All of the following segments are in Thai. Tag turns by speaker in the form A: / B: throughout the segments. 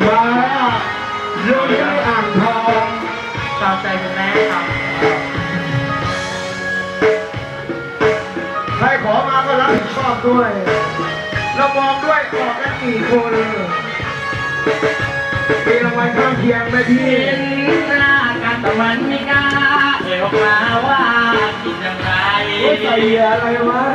A: มาเรื่องที่อ่างทอง
B: ตามใจคุณแม่ครับ
A: ใครขอมาก็รับผิดชอบด้วยเรามองด้วยออกกันกี่คนมีรางวัลข้างเคียงไหมพี่
B: เห็นหน้ากันแต่มันไม่กล้าออกมาว่าคิดอย่างไร
A: ใส่อะไรวะ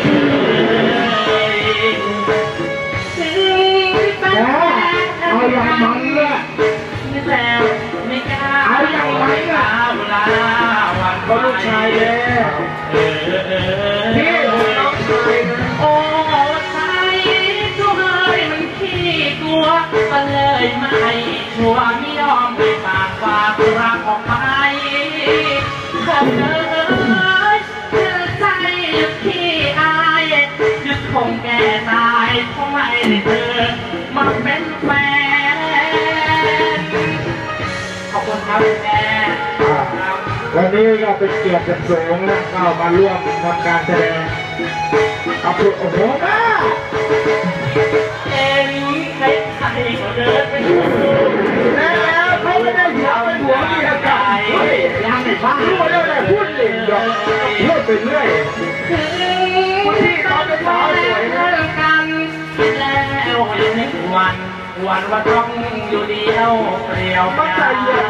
A: เอาอย่างมันเลย
B: ไม่แซวไม่กล้า
A: เอาอย่างมันอ่ะ
B: เวลาวัน
A: ก็ลูกชายเลยพี่น้องชายนะ
B: โอ้ชายตัวเฮ้ยมันขี้กลัวก็เลยไม่ชัวร์ไม่ยอมไปปากฝากรักออกไปขอเธอเธอใจหยุดขี้อายหยุดคงแก่ตายเพราะไม่ได้เธอมาเป็นแฟนขอบคุณครับแม่
A: วันนี้ก็เป็นเกียรติเป็นสูงนะเข้ามาร่วมทำการแสดงขอบคุณโอ้โหมาก
B: เอ็นใครก็เดินไปดู
A: แล้วเขาไม่ได้หัวเป็นหัวมีอากาศยังไม่บ้าพูดแล้วแหละพูดเล่นหรอกพูดไปเรื่อย
B: ที่เขาเป็นสาวสวยกันแล้วยังวันว่าต้องอยู่เดียวเปลี่ยว
A: ไม่ใจเย็น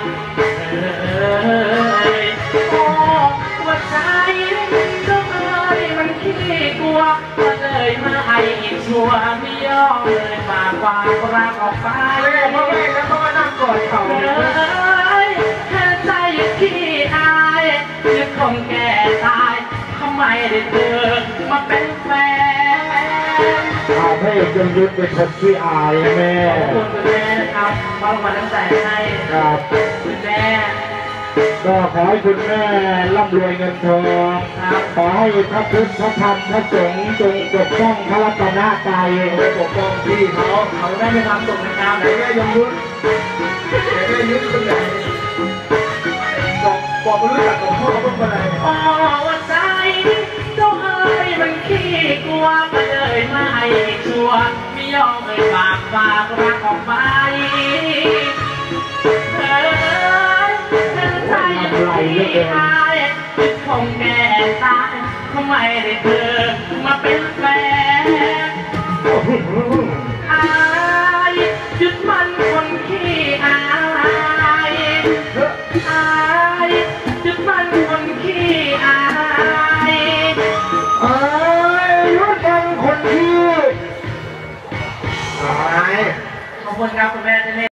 B: โอ้ว่าใจก็มันขี้กลัวก็เลยมาไอ้ชัวไม่ยอมเลยฝากความรักออกไป
A: พ่อแม่แล้วเขามานั่งกอดเขา
B: แค่ใจขี้อายจะคงแก่ตายทำไมได้เธอมาเป็นแฟน
A: เอาให้จงยุดเป็นคนที่อายแม่
B: ขอบคุณคุณแม่นะครับมอบมาตั้งแต่ให้
A: ครับ
B: คุณแม่
A: ก็ขอให้คุณแม่ร่ำรวยเงินทองขอให้พระพุทธพระธรรมพระสงฆ์จงปกป้องพระรัตนตรัยปกป้องพี่
B: เขาได้มีความสุขนะครับ
A: ไหนแม่ยงยุทธไหนแม่ยุทธคนไหนบอกไม่รู้จักกับพ่อเขาเป็นคนไหน
B: อ๋อว่าใจเจ้าเอ๋ยมันขี้กลัวก็เลยไม่ชัวไม่ยอมเลยฝากรักออกไปอายคงแก่ตายทำไมได้เธอมาเป็นแฟนอายหยุดมันคนขี้อายหยุดมันคนขี้อาย
A: หยุดมันคนขี้อาย
B: ขอบคุณครับคุณแม่